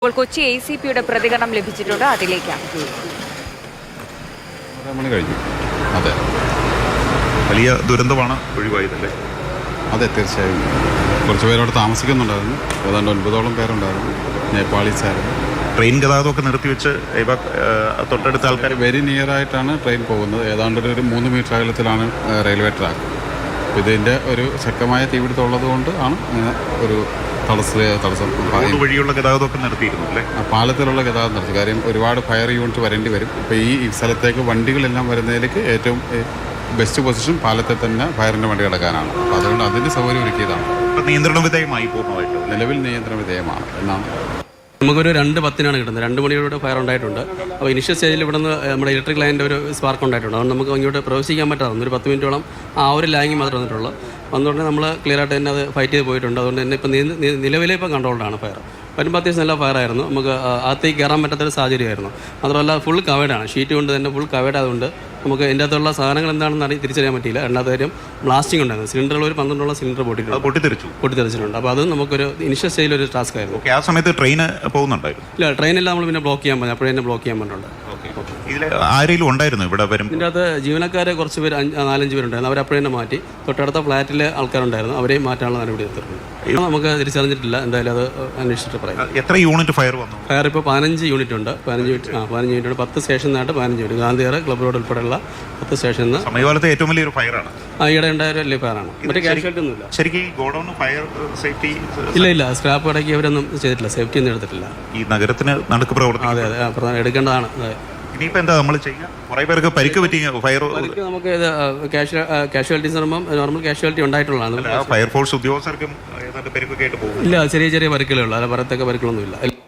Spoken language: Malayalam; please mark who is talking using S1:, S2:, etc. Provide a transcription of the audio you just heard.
S1: ഇപ്പോൾ കൊച്ചി ACPയുടെ പ്രതികരണം ലഭിച്ചിട്ടുണ്ട്. അതിലേക്കാണ്.
S2: മണി കഴിഞ്ഞു. അതെ,
S3: വലിയ ദുരന്തമാണ് ഒഴിവായതല്ലേ?
S2: അതെ, തീർച്ചയായും. കുറച്ച് പേരവിടെ താമസിക്കുന്നുണ്ടായിരുന്നു. ഏതാണ്ട് 9ഓളം പേരുണ്ടായിരുന്നു. നേപ്പാളീസായിരുന്നു.
S3: ട്രെയിൻ ഗതാഗതമൊക്കെ നിർത്തിവെച്ച് ഇവ തൊട്ടടുത്ത ആൾക്കാർ
S2: വെരി നിയറായിട്ടാണ് ട്രെയിൻ പോകുന്നത്. ഏതാണ്ട് ഒരു 3 മീറ്റർ അകലത്തിലാണ് റെയിൽവേ ട്രാക്ക്. ഇതിൻ്റെ ഒരു ശക്തമായ തീപിടുത്തം ഉള്ളതുകൊണ്ട് ആണ് ഒരു തടസ്സം
S3: വഴിയുള്ള ഗതാഗതമൊക്കെ നിർത്തിയിരുന്നു അല്ലേ?
S2: പാലത്തിലുള്ള ഗതാഗതം നിർത്തി. കാര്യം ഒരുപാട് ഫയർ യൂണിറ്റ് വരേണ്ടി വരും. ഇപ്പോൾ ഈ സ്ഥലത്തേക്ക് വണ്ടികളെല്ലാം വരുന്നതിലേക്ക് ഏറ്റവും ബെസ്റ്റ് പൊസിഷൻ പാലത്തിൽ തന്നെ ഫയറിൻ്റെ വണ്ടി കിടക്കാനാണ്. അപ്പോൾ അതുകൊണ്ട് അതിൻ്റെ സൗകര്യം ഒരുക്കിയതാണ്.
S3: നിയന്ത്രണ വിധേയമായി പൂർണ്ണമായിട്ട്
S2: നിലവിൽ നിയന്ത്രണ വിധേയമാണ് എന്നാണ്.
S4: നമുക്കൊരു 2:10 കിട്ടുന്നത്. 2 മണിയോടെ ഫയർ ഉണ്ടായിട്ടുണ്ട്. അപ്പോൾ ഇനിഷ്യൽ സ്റ്റേജിൽ ഇവിടെ നിന്ന് നമ്മുടെ ഇലക്ട്രിക് ലൈനിൻ്റെ ഒരു സ്പാർക്ക് ഉണ്ടായിട്ടുണ്ട്. അതുകൊണ്ട് നമുക്ക് ഇങ്ങോട്ട് പ്രവേശിക്കാൻ പറ്റാതെ ഒരു 10 മിനിറ്റോളം ആ ഒരു ലാങ്ങിങ് മാത്രമേ വന്നിട്ടുള്ളൂ. വന്നുകൊണ്ട് നമ്മൾ ക്ലിയർ ആയിട്ട് തന്നെ അത് ഫൈറ്റ് ചെയ്ത് പോയിട്ടുണ്ട്. അതുകൊണ്ട് തന്നെ ഇപ്പം നിലവിലെ ഇപ്പം കൺട്രോൾഡാണ് ഫയർ. വരുമ്പോൾ അത്യാവശ്യം നല്ല ഫയറായിരുന്നു. നമുക്ക് അകത്തേക്ക് കയറാൻ പറ്റാത്തൊരു സാഹചര്യമായിരുന്നു. മാത്രമല്ല ഫുൾ കവേഡാണ്. ഷീറ്റ് കൊണ്ട് തന്നെ ഫുൾ കവേഡ് ആയതുകൊണ്ട് നമുക്ക് എൻ്റെ അകത്തുള്ള സാധനങ്ങൾ എന്താണെന്ന് തിരിച്ചറിയാൻ പറ്റിയില്ല. രണ്ടാമത്തെ കാര്യം ബ്ലാസ്റ്റിംഗ് ഉണ്ടായിരുന്നു. സിലിണ്ടറുകൾ ഒരു 12 സിലിണ്ടർ പൊട്ടിത്തെറിച്ചിട്ടുണ്ട്. അപ്പോൾ അത് നമുക്കൊരു ഇനിഷ്യൽ സ്റ്റേജിൽ ഒരു ടാസ്ക് ആയിരുന്നു.
S3: ആ സമയത്ത് ട്രെയിൻ പോകുന്നുണ്ടായിരുന്നു?
S4: ഇല്ല, ട്രെയിനെല്ലാം നമ്മൾ പിന്നെ ബ്ലോക്ക് ചെയ്യാൻ പറഞ്ഞു. അപ്പോഴേ തന്നെ ബ്ലോക്ക് ചെയ്യാൻ പറഞ്ഞിട്ടുണ്ട്.
S3: ഇതിൽ ആരെങ്കിലും ഉണ്ടായിരുന്നു ഇവിടെ വരും?
S4: ഇതിൻ്റെ അകത്ത് ജീവനക്കാരെ കുറച്ച് പേര് 4-5 പേരുണ്ടായിരുന്നു. അവരപ്പോഴേ തന്നെ മാറ്റി. തൊട്ടടുത്ത ഫ്ലാറ്റിലെ ആൾക്കാരുണ്ടായിരുന്നു. അവരെയും മാറ്റാനുള്ള നടപടി എടുത്തിട്ടുണ്ട്. നമുക്ക് തിരിച്ചറിഞ്ഞിട്ടില്ല. എന്തായാലും അത് അന്വേഷിച്ചിട്ട് പറയാം.
S3: എത്ര യൂണിറ്റ് ഫയർ വന്നു?
S4: ഫയർ ഇപ്പോൾ 15 യൂണിറ്റ് ഉണ്ട്. 15 യൂണിറ്റ് ഉണ്ട്. 10 സ്റ്റേഷനിലായിട്ട് 15 യൂണിറ്റ്. ഗാന്ധിനഗർ, ക്ലബ് റോഡ് ഉൾപ്പെടെയുള്ള 10 സ്റ്റേഷനിൽ നിന്ന്
S3: സമീപകാലത്തെ ഏറ്റവും വലിയൊരു ഫയറാണ്.
S4: ഈയിടെ ഉണ്ടായ വലിയ ഫയറാണ്. മറ്റേ കാഷ്വാലിറ്റി ഒന്നുമില്ല.
S3: ശരിക്കും ഈ ഗോഡൌൺ ഫയർ സേഫ്റ്റി
S4: ഇല്ല. സ്ക്രാപ്പ് ഇടയ്ക്ക് അവരൊന്നും ചെയ്തിട്ടില്ല. സേഫ്റ്റി ഒന്നും എടുത്തിട്ടില്ല.
S3: ഈ നഗരത്തിന് നടുക്ക് പ്രവർത്തിക്കും.
S4: അതെ, എടുക്കേണ്ടതാണ്.
S3: ഇനിയിപ്പോൾ എന്താ നമ്മൾ ചെയ്യുക? കുറേ പേർക്ക് പരിക്ക് പറ്റി ഫയർ.
S4: നമുക്ക് ഇത് കാഷ്വാലിറ്റീസ് പറയുമ്പോൾ നോർമൽ കാഷ്വാലിറ്റി ഉണ്ടായിട്ടുള്ളതാണ്.
S3: ഫയർഫോഴ്സ് ഉദ്യോഗസ്ഥർക്കും ഏതാണ്ട് പരിക്കൊക്കെ ആയിട്ട് പോകും.
S4: ഇല്ല, ചെറിയ പരിക്കുകളേ ഉള്ളൂ. അല്ല, പറയത്തക്ക പരിക്കുകളൊന്നുമില്ല.